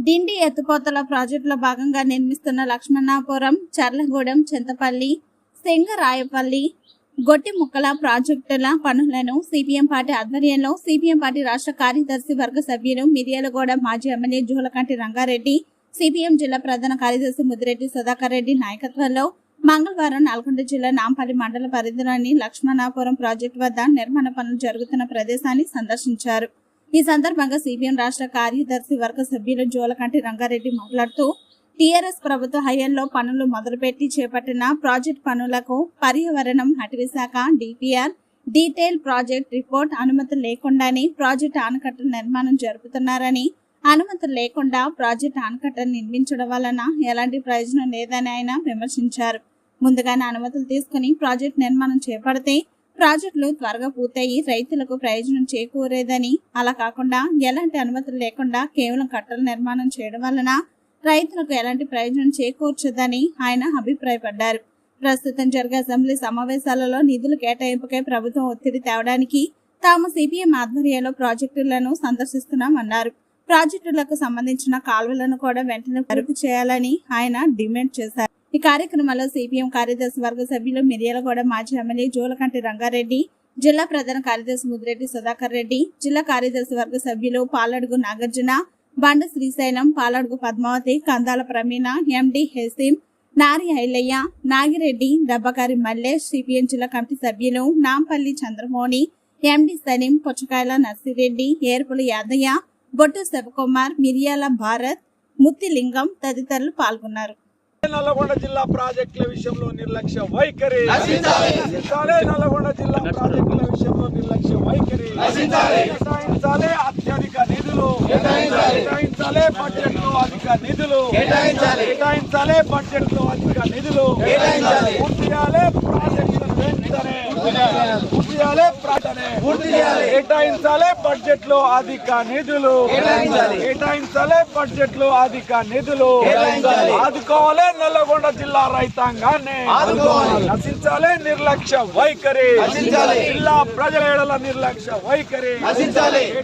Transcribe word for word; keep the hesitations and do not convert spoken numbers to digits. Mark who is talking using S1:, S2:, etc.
S1: డిండి ఎత్తిపోతల ప్రాజెక్టులో భాగంగా నిర్మిస్తున్న లక్ష్మణాపురం, చర్లగూడెం, చింతపల్లి, సింగరాయపల్లి, గొట్టిముక్కల ప్రాజెక్టుల పనులను సిపిఎం పార్టీ ఆధ్వర్యంలో సిపిఎం పార్టీ రాష్ట్ర కార్యదర్శి వర్గ సభ్యులు మిర్యాలగూడ మాజీ ఎమ్మెల్యే జూలకంటి రంగారెడ్డి, సిపిఎం జిల్లా ప్రధాన కార్యదర్శి ముదిరెడ్డి సుధాకర్ రెడ్డి నాయకత్వంలో మంగళవారం నల్గొండ జిల్లా నాంపల్లి మండల పరిధిలోని లక్ష్మణాపురం ప్రాజెక్టు వద్ద నిర్మాణ పనులు జరుగుతున్న ప్రదేశాన్ని సందర్శించారు. ఈ సందర్భంగా సిపిఎం రాష్ట్ర కార్యదర్శి వర్గ సభ్యులు జూలకంటి రంగారెడ్డి మాట్లాడుతూ టీఆర్ఎస్ ప్రభుత్వ హయాంలో పనులు మొదలుపెట్టి చేపట్టిన ప్రాజెక్టు పనులకు పర్యావరణం, అటవీ శాఖ, డిపిఆర్, డీటెయిల్ ప్రాజెక్ట్ రిపోర్ట్ అనుమతులు లేకుండానే ప్రాజెక్టు ఆనకట్ట నిర్మాణం జరుపుతున్నారని, అనుమతులు లేకుండా ప్రాజెక్టు ఆనకట్ట నిర్మించడం వలన ఎలాంటి ప్రయోజనం లేదని ఆయన విమర్శించారు. ముందుగానే అనుమతులు తీసుకుని ప్రాజెక్టు నిర్మాణం చేపడితే ప్రాజెక్టులు త్వరగా పూర్తయి రైతులకు ప్రయోజనం చేకూరేదని, అలా కాకుండా ఎలాంటి అనుమతులు లేకుండా కేవలం కట్టల నిర్మాణం చేయడం వలన రైతులకు ఎలాంటి ప్రయోజనం చేకూర్చదని ఆయన అభిప్రాయపడ్డారు. ప్రస్తుతం జరిగే అసెంబ్లీ సమావేశాలలో నిధుల కేటాయింపుకై ప్రభుత్వం ఒత్తిడి తేవడానికి తాము సిపిఎం ఆధ్వర్యంలో ప్రాజెక్టులను సందర్శిస్తున్నామన్నారు. ప్రాజెక్టులకు సంబంధించిన కాలువలను కూడా వెంటనే పరుపు చేయాలని ఆయన డిమాండ్ చేశారు. ఈ కార్యక్రమంలో సిపిఎం కార్యదర్శి వర్గ సభ్యులు మిర్యాలగూడ మాజీ ఎమ్మెల్యే జూలకంటి రంగారెడ్డి, జిల్లా ప్రధాన కార్యదర్శి ముదిరెడ్డి సుధాకర్ రెడ్డి, జిల్లా కార్యదర్శి వర్గ సభ్యులు పాలడుగు నాగార్జున, బండ శ్రీశైలం, పాలడుగు పద్మావతి, కందాల ప్రమీణ, ఎండి హెసీం, నారి ఐలయ్య, నాగిరెడ్డి, దబ్బకారి మల్లేష్, సిపిఎం జిల్లా కమిటీ సభ్యులు నాంపల్లి చంద్రమోహని, ఎండి సలీం, పుచ్చకాయల నర్సిరెడ్డి, ఏర్పుల యాదయ్య, బొట్టు శివకుమార్, మిర్యాల భారత్, ముత్తిలింగం తదితరులు పాల్గొన్నారు.
S2: నల్లగొండ జిల్లా ప్రాజెక్టుల విషయంలో నిర్లక్ష్య వైఖరి నల్లగొండ జిల్లా ప్రాజెక్టుల విషయంలో నిర్లక్ష్య వైఖరి కేటాయించాలే అత్యధిక నిధులు కేటాయించాలే బడ్జెట్ లో అధిక నిధులు కేటాయించాలే బడ్జెట్ లో అధిక నిధులు పూర్తి చేయాలి ప్రాజెక్టులను వెంటనే పూర్తి చేయాలి పూర్తి చేయాలి కేటాయించాలే బడ్జెట్ లో అధిక నిధులు కేటాయించాలే బడ్జెట్ లో అధిక నిధులు ఆదుకోవాలి నల్లగొండ జిల్లా రైతాంగాన్ని నశించాలి నిర్లక్ష్య వైఖరి జిల్లా ప్రజల ఎడల నిర్లక్ష్య వైఖరి.